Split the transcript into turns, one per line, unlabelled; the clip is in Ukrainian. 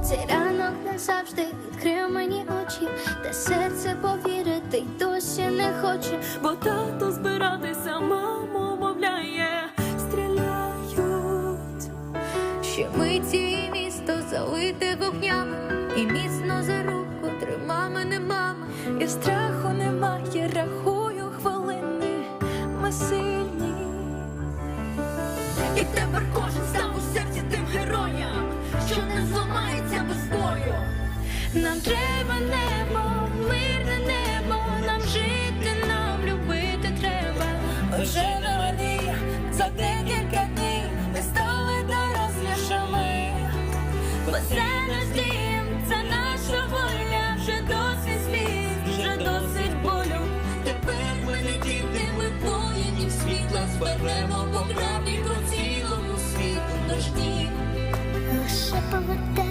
Цей ранок назавжди відкрив мені очі, та серце повірити й досі не хоче.
Бо тато збиратися, маму мовляє, стріляють.
Ще миті і місто залите вогнями, і міцно за руку трима мене мама.
І страху немає, рахую хвилини, ми сильні. І тепер кожен став у серці тим героям, що не зламається без бою.
Нам треба небо, мирне небо, нам жити, нам любити треба.
Вже на мені за декілька днів ми стали дорослішими.
Бо це наш дім, це наша воля, вже досить сліз, вже досить болю.
Тепер ми не діти, ми воїнів світла, зберемо по правді по цілому світу наш дім.
Лише поведе